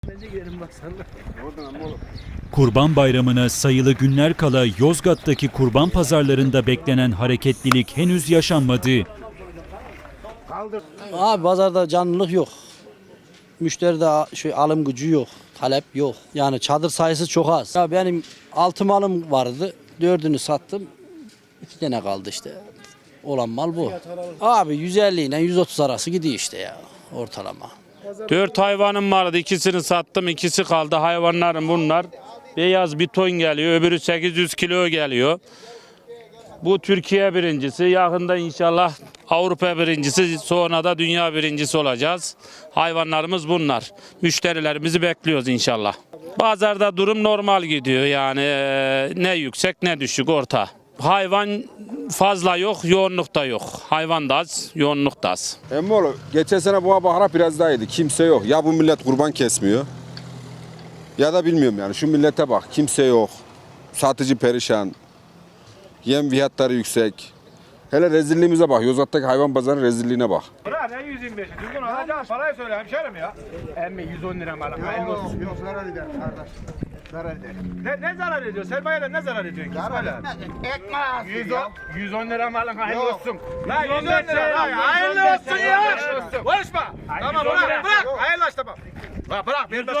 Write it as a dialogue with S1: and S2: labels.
S1: Kurban Bayramı'na sayılı günler kala Yozgat'taki kurban pazarlarında beklenen hareketlilik henüz yaşanmadı.
S2: Abi pazarda canlılık yok. Müşteride alım gücü yok. Talep yok. Yani çadır sayısı çok az. Ya benim 6 malım vardı. 4'ünü sattım. 2 tane kaldı işte. Olan mal bu. Abi 150 ile 130 arası gidiyor işte ya ortalama.
S3: 4 hayvanım vardı. İkisini sattım. İkisi kaldı. Hayvanlarım bunlar. Beyaz bir ton geliyor. Öbürü 800 kilo geliyor. Bu Türkiye birincisi. Yakında inşallah Avrupa birincisi. Sonra da dünya birincisi olacağız. Hayvanlarımız bunlar. Müşterilerimizi bekliyoruz inşallah. Pazarda durum normal gidiyor. Yani ne yüksek ne düşük orta. Hayvan fazla yok, yoğunluk da yok. Hayvan da az, yoğunluk da az.
S4: Emmoğlu geçen sene bu bahara biraz daha iyiydi. Kimse yok. Ya bu millet kurban kesmiyor. Ya da bilmiyorum yani şu millete bak. Kimse yok. Satıcı perişan. Yem fiyatları yüksek. Hele rezilliğimize bak. Yozgat'taki hayvan pazarının rezilliğine bak.
S5: Bırak ne 125'i? Düzgün alacağım parayı söyle hemşerim ya. Emmi 110 lira mal. Hayırlı olsun.
S6: Yok zarar eder kardeş. Zarar eder.
S5: Ne zarar ediyor? Sermayede ne zarar ediyorsun?
S6: Zarar etmez. Ekmek
S5: 110 lira malın hayırlı
S6: Yok.
S5: olsun. La 110 lira la hayırlı olsun ya. Konuşma. Tamam bırak. Hayırlı olsun tamam. Bırak.